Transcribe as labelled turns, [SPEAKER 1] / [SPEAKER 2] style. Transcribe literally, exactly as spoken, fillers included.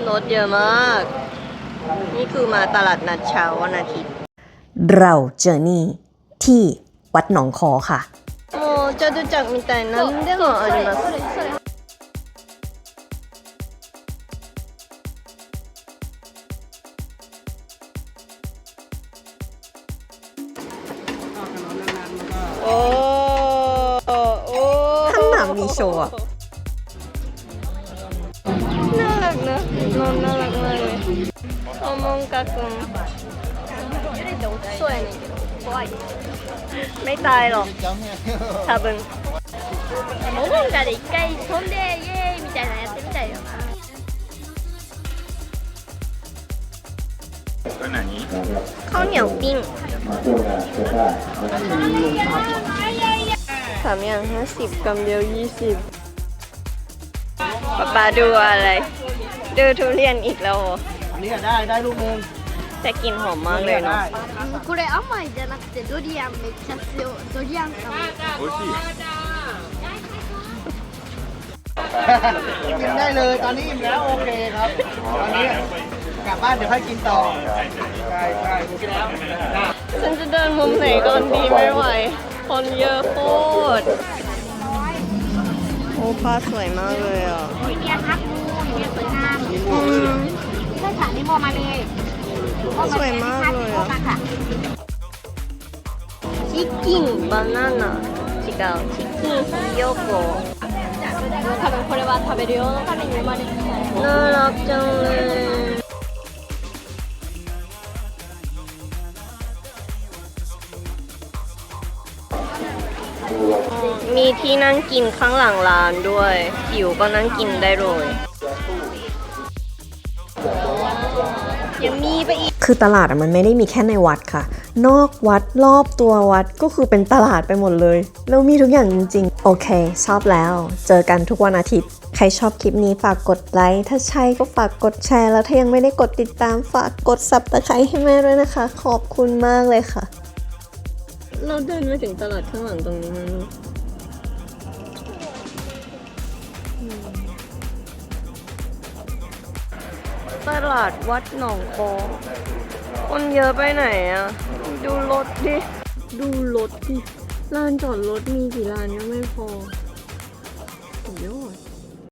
[SPEAKER 1] รถเยอะมากนี่คือมาตลาดนัดเช้าวันอาทิตย์
[SPEAKER 2] เราเจอนี่ที่วัดหนองคอค่ะ
[SPEAKER 1] โอ้จตุจักรみたいなんでもありますโอ้โอ้
[SPEAKER 2] ข้างหน้ามีโชว์อะ
[SPEAKER 1] น่ารักนะน้องน่ารักมากเลยโอมงกะくんそうやねんけど怖いไม่ตายหรอก多分
[SPEAKER 3] モモンガで一回飛んでイエーイみたいなやってみたいよな
[SPEAKER 4] これ何？
[SPEAKER 1] ข้าวเหนียวปิ้งสามอย่างห้าสิบกำเดียวยี่สิบป๊าป๊าดูอะไรดูทุเรียนอีกแล้ว
[SPEAKER 5] อันนี้ได้ได้ลูกนึง
[SPEAKER 1] แต่กลิ่นหอมมากเลยเนาะ
[SPEAKER 3] これ甘いじゃなくてドリアンめっちゃ強いドリアンかも
[SPEAKER 4] 美味しい。
[SPEAKER 5] กินได้เลยตอนนี้อิ่มแล้วโอเคครับตอนนี้กลับบ้านเดี๋ยวค่อยกินต่อใช่ใช่กินแล้ว
[SPEAKER 1] ฉันจะเดินมุมไหนก่อนดีไม่ไหวคนเยอะโคตรโอ้ผ้าสวยมากเลยอ่ะ
[SPEAKER 3] มีเมียครับมูมีเมียสวยงาม
[SPEAKER 1] อืม
[SPEAKER 3] ใช่ค่ะนิโมมาเลย
[SPEAKER 1] สวยมากเลยอ่ะ
[SPEAKER 3] ค่ะ
[SPEAKER 1] チキンバナナ違うチキンひよこ
[SPEAKER 3] 多分これは食べる用のために生まれてた
[SPEAKER 1] น่ารักจังเลยมีที่นั่งกินข้างหลังร้านด้วยหิวก็นั่งกินได้เลยยังมีไปอีก
[SPEAKER 2] คือตลาดอะมันไม่ได้มีแค่ในวัดค่ะนอกวัดรอบตัววัดก็คือเป็นตลาดไปหมดเลยแล้วมีทุกอย่างจริงๆโอเคชอบแล้วเจอกันทุกวันอาทิตย์ใครชอบคลิปนี้ฝากกดไลค์ถ้าใช่ก็ฝากกดแชร์แล้วถ้ายังไม่ได้กดติดตามฝากกดซับสไครต์ให้แม่ด้วยนะคะขอบคุณมากเลยค่ะ
[SPEAKER 1] เราเดินมาถึงตลาดข้างหลังตรงนี้มั้งลูกตลาดวัดหนองโคคนเยอะไปไหนอ่ะดูรถดิดูรถดิลานจอดรถมีกี่ลานยังไม่พอสุดยอด